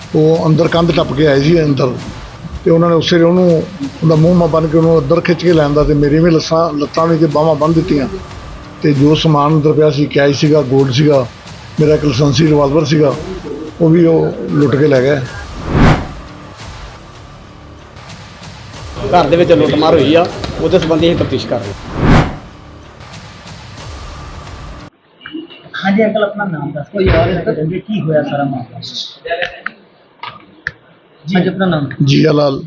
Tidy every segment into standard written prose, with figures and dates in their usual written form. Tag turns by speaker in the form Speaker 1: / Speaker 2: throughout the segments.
Speaker 1: ਉਹ ਅੰਦਰ ਕੰਧ ਟੱਪ ਕੇ ਆਏ ਸੀ ਅੰਦਰ, ਤੇ ਉਹਨਾਂ ਨੇ ਉਸੇ ਵੇਲੇ ਉਹਦਾ ਮੂੰਹ ਮਾ ਬੰਨ੍ਹ ਕੇ ਉਹਨੂੰ ਅੰਦਰ ਖਿੱਚ ਕੇ ਲੈਂਦਾ, ਤੇ ਮੇਰੀ ਵੀ ਲੱਤਾਂ ਵੀ ਤੇ ਬਾਹਾਂ ਬੰਨ੍ਹ ਦਿੱਤੀਆਂ। ਤੇ ਜੋ ਸਮਾਨ ਅੰਦਰ ਪਿਆ ਸੀ, ਕੈਸ਼ ਸੀਗਾ, ਗੋਲਡ ਸੀਗਾ, ਮੇਰਾ ਇੱਕ ਲਾਇਸੈਂਸੀ ਰਿਵਾਲਵਰ ਸੀਗਾ, ਉਹ ਵੀ ਲੁੱਟ ਕੇ ਲੈ ਗਏ।
Speaker 2: ਘਰ ਦੇ ਵਿੱਚ ਲੁੱਟਮਾਰ ਹੋਈ ਆ, ਉਹਦੇ ਸੰਬੰਧੀ ਅਸੀਂ ਤਫਤੀਸ਼ ਕਰ ਰਹੇ ਹਾਂ।
Speaker 3: हाँ जी अंकल, अपना नाम दस कोई और है की होया सारा मामला जी। आज अपना नाम
Speaker 1: ਜੀਆ ਲਾਲ।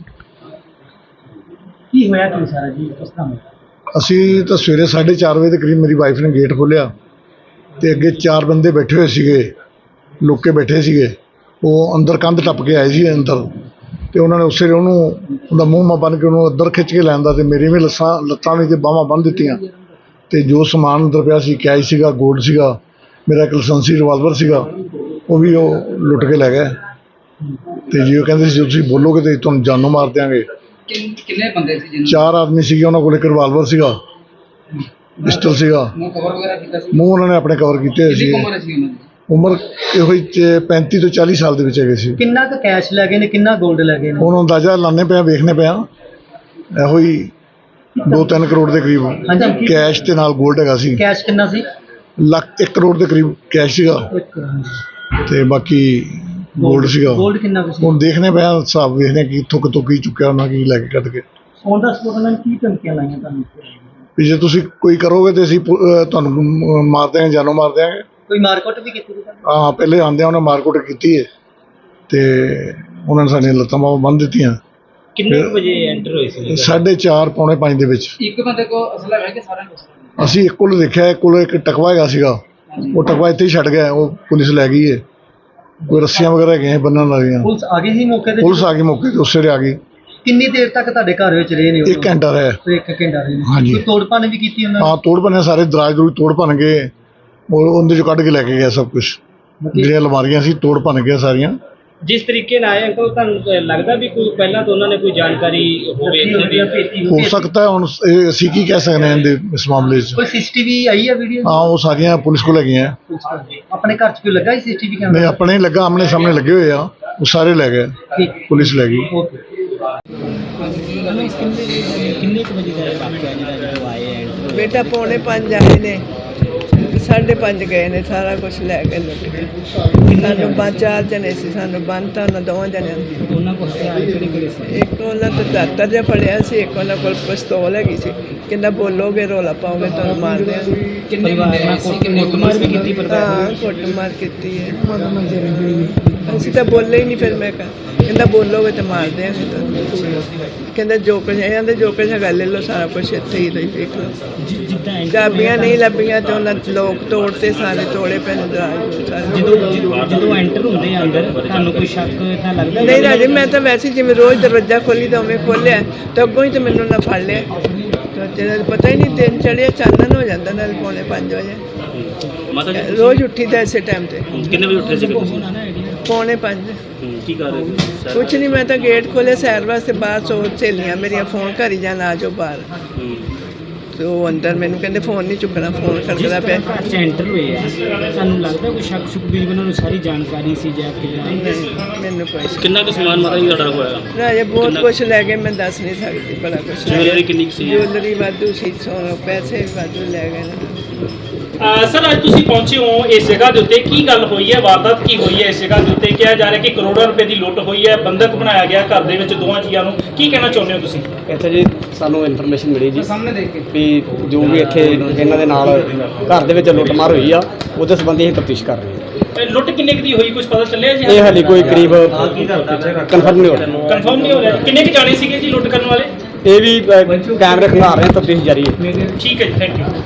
Speaker 3: की होया कि सारा जी किस तरह होया?
Speaker 1: ਅਸੀਂ ਤਾਂ ਸਵੇਰੇ 4:30 ਵਜੇ ਦੇ ਕਰੀਬ ਮੇਰੀ ਵਾਈਫ ਨੇ ਗੇਟ ਖੋਲ੍ਹਿਆ, ਤੇ ਅੱਗੇ 4 ਬੰਦੇ ਬੈਠੇ ਹੋਏ ਸੀਗੇ, ਲੁੱਕ ਕੇ ਬੈਠੇ ਸੀਗੇ। ਉਹ ਅੰਦਰ ਕੰਧ ਟੱਪ ਕੇ ਆਏ ਸੀ ਅੰਦਰ, ਤੇ ਉਹਨਾਂ ਨੇ ਉਸੇ ਵੇਲੇ ਉਹਦਾ ਮੂੰਹ ਮਾ ਬੰਨ੍ਹ ਕੇ ਉਹਨੂੰ ਅੰਦਰ ਖਿੱਚ ਕੇ ਲੈਂਦਾ, ਤੇ ਮੇਰੀ ਵੀ ਲੱਤਾਂ ਵੀ ਤੇ ਬਾਹਾਂ ਬੰਨ੍ਹ ਦਿੱਤੀਆਂ। ਤੇ ਜੋ ਸਮਾਨ ਅੰਦਰ ਪਿਆ ਸੀ, ਕੈਸ਼ ਸੀਗਾ, ਗੋਲਡ ਸੀਗਾ, ਮੇਰਾ ਇੱਕ ਲਾਇਸੈਂਸੀ ਰਿਵਾਲਵਰ ਸੀਗਾ, ਉਹ ਵੀ ਲੁੱਟ ਕੇ ਲੈ ਗਏ। ਤੇ ਜੀ ਉਹ ਕਹਿੰਦੇ ਸੀ, ਜੇ ਤੁਸੀਂ ਬੋਲੋਗੇ ਤੇ ਤੁਹਾਨੂੰ ਜਾਨੋਂ ਮਾਰ ਦਿਆਂਗੇ।
Speaker 3: कितने बंदे थे जिन्होंने
Speaker 1: 4 ਆਦਮੀ ਸੀਗੇ, ਉਹਨਾਂ ਕੋਲ ਇੱਕ ਰਿਵਾਲਵਰ ਸੀਗਾ, ਪਿਸਟਲ ਸੀਗਾ।
Speaker 3: कवर वगैरह किया सी?
Speaker 1: ਮੂੰਹ ਉਹਨਾਂ ਨੇ ਆਪਣੇ ਕਵਰ ਕੀਤੇ ਹੋਏ ਸੀ।
Speaker 3: कितनी उम्र सी उन्होंने?
Speaker 1: ਉਮਰ ਇਹੋ ਹੀ 35 ਤੋਂ 40 ਸਾਲ ਦੇ ਵਿੱਚ ਹੈਗੇ ਸੀ।
Speaker 3: किन्ना का कैश लगे ने, किन्ना गोल्ड लगे ने?
Speaker 1: ਹੁਣ ਅੰਦਾਜ਼ਾ ਲਾਣੇ ਪਿਆ, ਵੇਖਣੇ ਪਿਆ, ਇਹੋ ਹੀ 2-3 ਕਰੋੜ ਦੇ ਕਰੀਬ
Speaker 3: हाँ जी।
Speaker 1: ਕੈਸ਼ ਤੇ ਨਾਲ ਗੋਲਡ ਹੈਗਾ ਸੀ।
Speaker 3: कैश किन्ना सी?
Speaker 1: 1 ਕਰੋੜ ਦੇ ਕਰੀਬ ਕੈਸ਼ ਸੀਗਾ, ਤੇ ਬਾਕੀ ਗੋਲਡ ਸੀਗਾ।
Speaker 3: गोल्ड किन्ना का सी?
Speaker 1: ਹੁਣ ਦੇਖਣੇ ਪਿਆ, ਹਿਸਾਬ ਵੇਖਦੇ ਕਿ ਇੱਥੋਂ ਕਿਤੋਂ ਕੀ ਚੁੱਕਿਆ ਉਹਨਾਂ, ਕੀ ਲੈ ਕੇ ਕੱਢ ਕੇ।
Speaker 3: ऑन द स्पॉट उन्होंने की धमकियां लाईयां ਤੁਹਾਨੂੰ?
Speaker 1: ਵੀ ਜੇ ਤੁਸੀਂ ਕੋਈ ਕਰੋਗੇ ਤੇ ਅਸੀਂ ਤੁਹਾਨੂੰ ਮਾਰ ਦਿਆਂਗੇ, ਜਾਨੋਂ ਮਾਰ ਦਿਆਂਗੇ।
Speaker 3: ਕੋਈ ਮਾਰਕਟ ਵੀ ਕੀਤੀ ਸੀ?
Speaker 1: ਹਾਂ, ਪਹਿਲੇ ਆਉਂਦਿਆਂ ਉਹਨੇ ਮਾਰਕੁੱਟ ਕੀਤੀ ਹੈ, ਤੇ ਉਹਨਾਂ ਨੇ ਸਾਡੀਆਂ ਲੱਤਾਂ ਬਾਹਾਂ ਬੰਨ੍ਹ ਦਿੱਤੀਆਂ।
Speaker 3: ਕਿੰਨੇ ਵਜੇ ਐਂਟਰ ਹੋਈ ਸੀ?
Speaker 1: 4:30 ਪੌਣੇ 5 ਦੇ ਵਿੱਚ।
Speaker 3: ਇੱਕ ਬੰਦੇ ਕੋ ਅਸਲਾ ਹੈ ਕਿ ਸਾਰਿਆਂ ਕੋਲ?
Speaker 1: ਅਸੀਂ ਇੱਕ ਕੋਲ ਦੇਖਿਆ, ਇੱਕ ਕੋਲ ਇੱਕ ਟਕਵਾ ਹੈਗਾ ਸੀਗਾ, ਉਹ ਟਕਵਾ ਇੱਥੇ ਹੀ ਛੱਡ ਗਿਆ, ਉਹ ਪੁਲਿਸ ਲੈ ਗਈ ਹੈ। ਕੋਈ ਰੱਸੀਆਂ ਵਗੈਰਾ ਹੈਗੀਆਂ ਬੰਨ੍ਹਣ ਵਾਲੀਆਂ।
Speaker 3: ਪੁਲਿਸ ਆ ਗਈ ਸੀ ਮੌਕੇ ਤੇ?
Speaker 1: ਪੁਲਿਸ ਆ ਗਈ ਮੌਕੇ ਤੇ, ਉਸੇ ਵੇਲੇ ਆ ਗਈ।
Speaker 3: ਕਿੰਨੀ ਦੇਰ ਤੱਕ ਤੁਹਾਡੇ ਘਰ ਵਿੱਚ ਰਹੇ ਨੇ ਉਹ?
Speaker 1: 1 ਘੰਟਾ ਰਿਹਾ।
Speaker 3: 1 ਘੰਟਾ ਰਹੇ ਨੇ।
Speaker 1: ਹਾਂਜੀ।
Speaker 3: ਕੋਈ ਤੋੜ ਭੰਨ ਵੀ ਕੀਤੀ ਉਹਨਾਂ ਨੇ?
Speaker 1: ਹਾਂ, ਤੋੜ ਭੰਨੇ, ਸਾਰੇ ਦਰਾਜ ਦਰੂਜ ਤੋੜ ਭੰਨ ਗਏ, ਔਰ ਉਹਦੇ ਚੋਂ ਕੱਢ ਕੇ ਲੈ ਕੇ ਗਿਆ ਸਭ ਕੁਛ। ਜਿਹੜੀਆਂ ਅਲਮਾਰੀਆਂ ਸੀ ਤੋੜ ਭੰਨ ਗਿਆ ਸਾਰੀਆਂ।
Speaker 4: ਜਿਸ ਤਰੀਕੇ ਨਾਲ ਆਏ ਅੰਕਲ, ਤੁਹਾਨੂੰ ਲੱਗਦਾ ਵੀ ਕੋਈ ਪਹਿਲਾਂ ਤੋਂ ਉਹਨਾਂ ਨੇ ਕੋਈ ਜਾਣਕਾਰੀ ਹੋਵੇ?
Speaker 1: ਹੋ ਸਕਦਾ ਹੈ, ਹੁਣ ਅਸੀਂ ਕੀ ਕਹਿ ਸਕਦੇ ਹਾਂ ਇਹਦੇ ਇਸ ਮਾਮਲੇ 'ਚ।
Speaker 3: ਕੋਈ ਸੀਸੀਟੀਵੀ ਆਈ ਹੈ ਵੀਡੀਓ?
Speaker 1: ਹਾਂ, ਉਹ ਸਾਰੀਆਂ ਪੁਲਿਸ ਕੋਲ ਹੈਗੀਆਂ।
Speaker 3: ਆਪਣੇ ਘਰ 'ਚ ਕੋਈ ਲੱਗਾ ਸੀ ਸੀਸੀਟੀਵੀ ਕੈਮਰਾ?
Speaker 1: ਨਹੀਂ, ਆਪਣੇ ਲੱਗਾ, ਆਮਣੇ ਸਾਹਮਣੇ ਲੱਗੇ ਹੋਏ ਆ, ਉਹ ਸਾਰੇ ਲੈ ਗਏ,
Speaker 3: ਠੀਕ,
Speaker 1: ਪੁਲਿਸ ਲੈ ਗਈ।
Speaker 3: ਓਕੇ।
Speaker 4: ਕਿੰਨੇ ਕੁ ਵਜੇ ਦਾ ਵਾਕਿਆ ਜਿਹੜਾ ਜਦੋਂ ਆਏ ਐ?
Speaker 5: बेटा 4:45 आए ने, 5:30 गए ने, सारा कुछ लैके लुट के। सानू 4 जने सी, सानू बंनता उन्होंने 2 जने।
Speaker 4: ਉਹਨਾਂ ਕੋਲ ਹਥਿਆਰ ਕਿਹੜੇ ਸੀ?
Speaker 5: एक उन्होंने तो दातर जिहा फड़िया सी, एक उन्होंने कोल पिस्तौल हैगी सी, कहंदा बोलोगे रौला पाओगे तुहानू मार देंगे।
Speaker 4: ਪਰਿਵਾਰ ਨਾਲ ਕੁੱਟਮਾਰ ਵੀ ਕੀਤੀ ਪਰਿਵਾਰ
Speaker 5: हाँ, कुटमार की है। ਅਸੀਂ ਤਾਂ ਬੋਲੇ ਹੀ ਨਹੀਂ। ਫਿਰ ਮੈਂ ਕਹਿੰਦਾ ਬੋਲੋਗੇ ਤੇ ਮਾਰ ਦਿਆਂਗੇ ਤੁਹਾਨੂੰ। ਕਹਿੰਦਾ ਜੋ ਕੁਝ ਇਹਨਾਂ ਦੇ ਜੋ ਕੁਝ ਹੈਗਾ ਲੈ ਲਓ, ਸਾਰਾ ਕੁਝ ਇੱਥੇ ਹੀ ਦੇਖ ਲਓ।
Speaker 4: ਜਿੱਦਾਂ
Speaker 5: ਚਾਬੀਆਂ ਨਹੀਂ ਲੱਭੀਆਂ ਤੇ ਉਹਨਾਂ ਲੋਕ ਤੋੜਤੇ, ਸਾਰੇ ਤੋੜੇ ਪਏ ਨੇ ਦਰਾਜ।
Speaker 4: ਜਦੋਂ ਐਂਟਰ ਹੁੰਦੇ ਆ ਅੰਦਰ, ਤੁਹਾਨੂੰ ਕੋਈ ਸ਼ੱਕ ਤਾਂ ਲੱਗਦਾ?
Speaker 5: ਨਹੀਂ ਰਾਜੇ, ਮੈਂ ਤਾਂ ਵੈਸੇ ਜਿਵੇਂ ਰੋਜ਼ ਦਰਵਾਜ਼ਾ ਖੋਲੀ ਤਾਂ ਉਵੇਂ ਖੋਲ੍ਹਿਆ, ਤਾਂ ਅੱਗੋਂ ਹੀ ਤਾਂ ਮੈਨੂੰ ਨਾ ਫੜ ਲਿਆ। ਤਾਂ ਜਿਹੜਾ ਪਤਾ ਹੀ ਨਹੀਂ, ਦਿਨ ਚੜ੍ਹਿਆ, ਚਾਨਣ ਹੋ ਜਾਂਦਾ ਨਾਲ 4:45 ਵਜੇ। ਰੋਜ਼ ਉੱਠੀ ਦਾ ਇਸੇ ਟਾਈਮ 'ਤੇ।
Speaker 4: ਕਿੰਨੇ ਵਜੇ ਉੱਠੇ ਸੀ ਤੁਸੀਂ?
Speaker 5: 4:45।
Speaker 4: ਕੀ ਕਰ ਰਹੇ ਸੀ?
Speaker 5: ਕੁਛ ਨਹੀਂ, ਮੈਂ ਤਾਂ ਗੇਟ ਖੋਲ੍ਹਿਆ ਸੈਰ ਵਾਸਤੇ, ਬਾਹਰ ਸਹੇਲੀਆਂ ਮੇਰੀਆਂ ਫੋਨ ਕਰੀ ਜਾਣ ਆ ਜਾਓ ਬਾਹਰ। ਤੇ ਉਹ ਅੰਦਰ ਮੈਨੂੰ ਕਹਿੰਦੇ ਫੋਨ ਨਹੀਂ ਚੁੱਕਣਾ, ਫੋਨ ਖੜਕਦਾ ਪਿਆ।
Speaker 4: ਘਰ 'ਚ ਐਂਟਰ ਹੋਏ ਆ, ਤੁਹਾਨੂੰ ਲੱਗਦਾ ਕੋਈ ਸ਼ੱਕ ਸ਼ੁਕ ਵੀ ਉਹਨਾਂ ਨੂੰ ਸਾਰੀ ਜਾਣਕਾਰੀ ਸੀ ਜਾਂ ਕਿੱਦਾਂ?
Speaker 5: ਨਹੀਂ, ਮੈਨੂੰ ਕੋਈ
Speaker 4: ਕਿੰਨਾ ਕੁ ਸਮਾਨ ਮਾਤਾ ਜੀ ਤੁਹਾਡਾ ਹੋਇਆ?
Speaker 5: ਰਾਜੇ ਬਹੁਤ ਕੁਛ ਲੈ ਗਏ, ਮੈਂ ਦੱਸ ਨਹੀਂ ਸਕਦੀ, ਬੜਾ ਕੁਛ।
Speaker 4: ਜ਼ਿੰਮੇਵਾਰੀ ਕਿੰਨੀ ਕੁ ਸੀ?
Speaker 5: ਜੁਐਲਰੀ ਵਾਧੂ ਸੀ, ਸੋਨਾ, ਪੈਸੇ ਵੀ ਵਾਧੂ ਲੈ ਗਏ ਨੇ।
Speaker 6: ਸਰ, ਅੱਜ ਤੁਸੀਂ ਪਹੁੰਚੇ ਹੋ ਇਸ ਜਗ੍ਹਾ ਦੇ ਉੱਤੇ, ਕੀ ਗੱਲ ਹੋਈ ਹੈ? ਵਾਰਦਾਤ ਕੀ ਹੋਈ ਹੈ ਇਸ ਜਗ੍ਹਾ ਦੇ ਉੱਤੇ? ਕਿਹਾ ਜਾ ਰਿਹਾ ਕਿ ਕਰੋੜਾਂ ਰੁਪਏ ਦੀ ਲੁੱਟ ਹੋਈ ਹੈ, ਬੰਦਕ ਬਣਾਇਆ ਗਿਆ ਘਰ ਦੇ ਵਿੱਚ 2 ਜੀਆਂ ਨੂੰ। ਕੀ ਕਹਿਣਾ ਚਾਹੁੰਦੇ ਹੋ ਤੁਸੀਂ?
Speaker 2: ਇੱਥੇ ਜੀ ਸਾਨੂੰ ਇਨਫੋਰਮੇਸ਼ਨ ਮਿਲੀ ਜੀ
Speaker 3: ਸਾਹਮਣੇ ਦੇਖ ਕੇ
Speaker 2: ਵੀ ਜੋ ਵੀ ਇੱਥੇ ਇਹਨਾਂ ਦੇ ਨਾਲ ਘਰ ਦੇ ਵਿੱਚ ਲੁੱਟਮਾਰ ਹੋਈ ਆ, ਉਹਦੇ ਸੰਬੰਧੀ ਅਸੀਂ ਤਫਤੀਸ਼ ਕਰ ਰਹੇ ਹਾਂ।
Speaker 6: ਲੁੱਟ ਕਿੰਨੇ ਕੁ ਦੀ ਹੋਈ, ਕੁਝ ਪਤਾ ਚੱਲਿਆ ਜੀ?
Speaker 2: ਇਹ ਹਾਲੇ ਕੋਈ ਕਰੀਬ ਕਨਫਰਮ ਨਹੀਂ ਹੋ ਰਿਹਾ।
Speaker 6: ਕਨਫਰਮ ਨਹੀਂ ਹੋ ਰਿਹਾ। ਕਿੰਨੇ ਕੁ ਜਾਣੇ ਸੀਗੇ ਜੀ ਲੁੱਟ ਕਰਨ ਵਾਲੇ?
Speaker 2: ਇਹ ਵੀ ਕੈਮਰੇ ਖੰਗਾਰ ਰਹੇ, ਤਫਤੀਸ਼ ਜਾਰੀ ਹੈ।
Speaker 6: ਠੀਕ ਹੈ ਜੀ, ਥੈਂਕ ਯੂ।